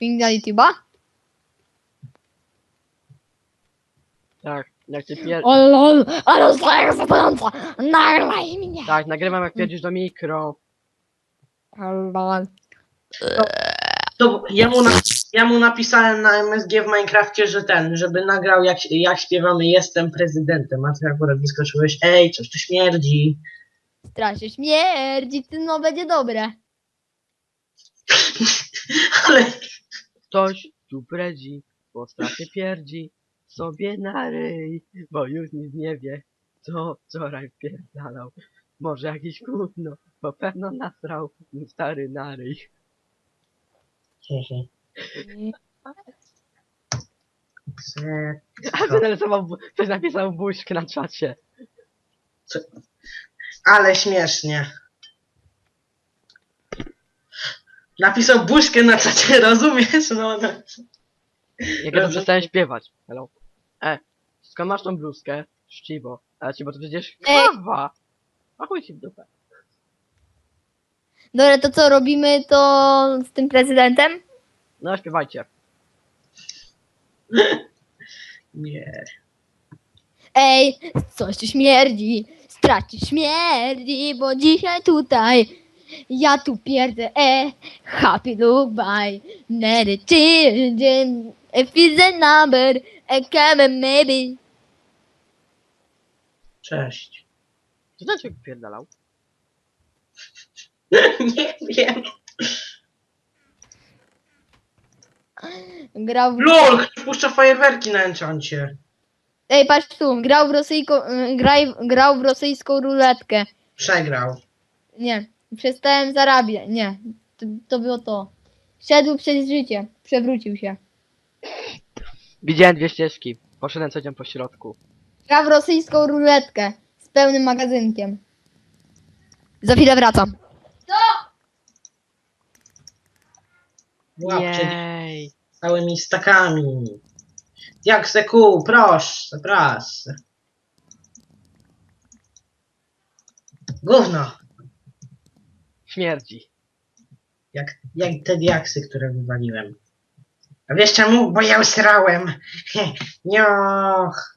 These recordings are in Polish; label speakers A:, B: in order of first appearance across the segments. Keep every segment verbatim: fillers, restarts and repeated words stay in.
A: Ping na YouTube'a?
B: Tak, jak ty pier...
A: O lol, ale zdaję zadająca! Nagraj mnie!
B: Tak, nagrywam jak pierdzisz do mikro.
A: O lol.
C: To ja mu, na, ja mu napisałem na M S G w Minecrafcie, że ten, żeby nagrał jak, jak śpiewamy Jestem prezydentem, a ty akurat wyskoczyłeś, ej, coś tu śmierdzi.
A: Strasznie śmierdzi, ty no będzie dobre.
C: Ale
B: Ktoś tu bredzi, bo strasznie pierdzi sobie na ryj, bo już nic nie wie, co wczoraj wpierdalał. Może jakieś gówno, bo pewno nasrał mu stary na ryj. A ktoś narysował, bu- ktoś napisał buźkę na czacie.
C: Ale śmiesznie. Napisał buźkę na czacie, rozumiesz? No, no.
B: Jak ja to przestałem śpiewać. Hello. E, skąd masz tą bluzkę? Czciwo. Ale ci, bo to przecież
A: Ej.
B: kawa. A chuj ci w dupę.
A: Dobra, to co robimy to z tym prezydentem?
B: No śpiewajcie.
C: Nie.
A: Ej, coś tu śmierdzi, straci śmierdzi, bo dzisiaj tutaj ja tu pierdzę, e, happy look by, let it children, if it's a number, a come and maybe.
C: Cześć.
B: Co ten człowiek pierdalał?
C: Nie wiem.
A: Grał w...
C: LOL, ktoś puszcza fajerwerki na enchancie.
A: Ej, patrz tu, grał w rosyjską, y, graj, grał w rosyjską ruletkę.
C: Przegrał.
A: Nie, przestałem zarabiać, nie, to, to było to. Szedł przez życie, przewrócił się.
B: Widziałem dwie ścieżki. Poszedłem codziennie po środku.
A: Gra w rosyjską ruletkę z pełnym magazynkiem. Za chwilę wracam.
C: Łapcie
B: Jej.
C: całymi stakami. Jak se kół, proszę, proszę. Gówno.
B: Śmierdzi.
C: Jak, jak te diaksy, które wywaliłem. A wiesz czemu? Bo ja usrałem. Nioch.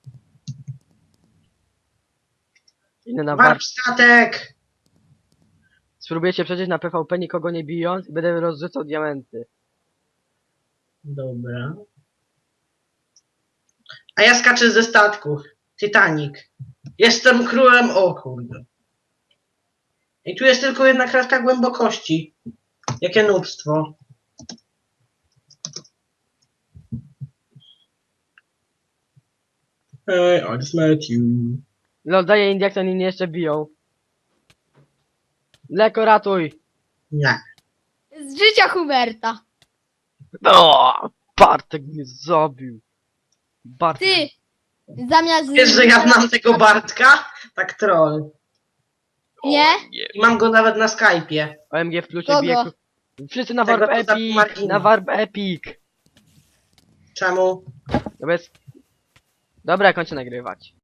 B: Inny na war...
C: Warp statek.
B: Spróbuję się przejść na P V P nikogo nie bijąc i będę rozrzucał diamenty.
C: Dobra. A ja skaczę ze statku. Titanic. Jestem królem. O kurde. I tu jest tylko jedna kratka głębokości. Jakie nubstwo. Hey, I just met you.
B: No daję Indiak, to oni mnie jeszcze biją. Leko, ratuj!
C: Nie.
A: Z życia Huberta.
B: O, Bartek mnie zabił. Bartek.
A: Ty, zamiast...
C: Wiesz, że ja znam tego Bartka? Tak troll.
A: Nie?
B: nie.
C: I mam go nawet na Skype'ie.
B: O M G w plusie
A: Kogo?
B: bije... ku- Wszyscy na
C: Tego
B: Warp
C: poza
B: Epic!
C: Martinem.
B: Na Warp Epic!
C: Czemu?
B: No bez... Dobra, kończę nagrywać.